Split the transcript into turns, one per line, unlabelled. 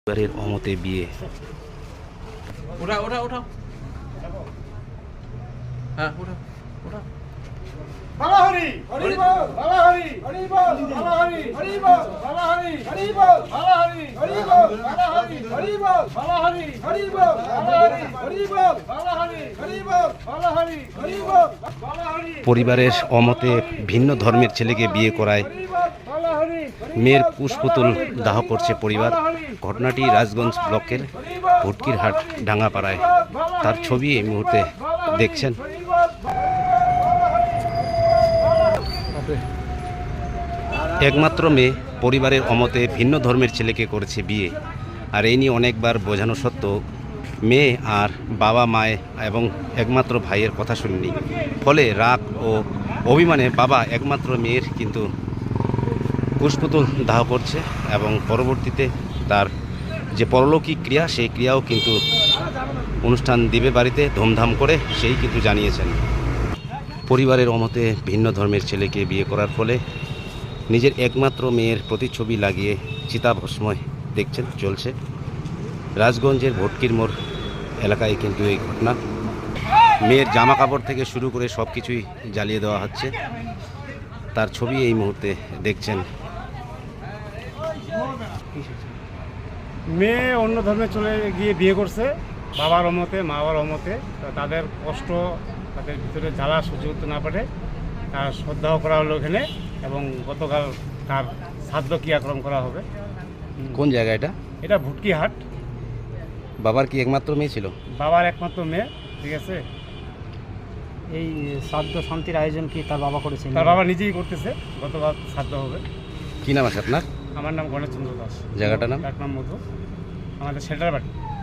পরিবারের অমতে বিয়ে।
উঠাও উঠাও উঠাও, হ্যাঁ উঠাও উঠাও।
বাবা হরি হরি বল, বাবা হরি হরি বল, বাবা হরি হরি বল, বাবা হরি হরি বল, বাবা হরি হরি বল, বাবা হরি হরি বল, বাবা হরি হরি বল, বাবা হরি হরি বল, বাবা হরি হরি বল, বাবা হরি হরি বল, বাবা হরি।
পরিবারের অমতে ভিন্ন ধর্মের ছেলেকে বিয়ে করায় মেয়ের কুশপুতুল দাহ করছে পরিবার। ঘটনাটি রাজগঞ্জ ব্লকের ভুটকিরহাট ডাঙ্গাপাড়ায়। তার ছবি এই মুহূর্তে দেখছেন। একমাত্র মেয়ে পরিবারের অমতে ভিন্ন ধর্মের ছেলেকে করেছে বিয়ে। আর এই নিয়ে অনেকবার বোঝানো সত্ত্বেও মেয়ে আর বাবা মায়ে এবং একমাত্র ভাইয়ের কথা শুনিনি। ফলে রাগ ও অভিমানে বাবা একমাত্র মেয়ের কিন্তু কুশপুতুল দাহ করছে এবং পরবর্তীতে তার যে পরলৌকিক ক্রিয়া সেই ক্রিয়াও কিন্তু অনুষ্ঠান দিবে বাড়িতে ধুমধাম করে সেই কিন্তু জানিয়েছেন। পরিবারের অমতে ভিন্ন ধর্মের ছেলেকে বিয়ে করার ফলে নিজের একমাত্র মেয়ের প্রতিচ্ছবি লাগিয়ে চিতাভস্ময় দেখছেন চলছে। রাজগঞ্জের ভটকির মোড় এলাকায় কিন্তু এই ঘটনা। মেয়ের জামা কাপড় থেকে শুরু করে সব কিছুই জ্বালিয়ে দেওয়া হচ্ছে। তার ছবি এই মুহূর্তে দেখছেন।
মেয়ে অন্য ধর্মে চলে গিয়ে বিয়ে করছে বাবার অমতে, মা বাবার অমতে। তাদের কষ্ট, তাদের ভিতরে জ্বালা সহ্য করতে না পারে তার শ্রদ্ধাও করা হলো এখানে, এবং গতকাল তার শ্রাদ্ধ ক্রিয়াক্রম করা হবে।
কোন জায়গা এটা?
এটা ভুটকিহাট।
বাবার কি একমাত্র মেয়ে ছিল?
বাবার একমাত্র মেয়ে, ঠিক আছে।
এই শ্রাদ্ধ শান্তির আয়োজন কি তার বাবা করেছেন?
তার বাবা নিজেই করতেছে, গতকাল শ্রাদ্ধ হবে।
কী নাম আছে আপনার?
আমার নাম গণেশ চন্দ্র দাস।
জায়গাটার নাম?
ডাক নাম মধু, আমাদের সেন্টার বাড়ি।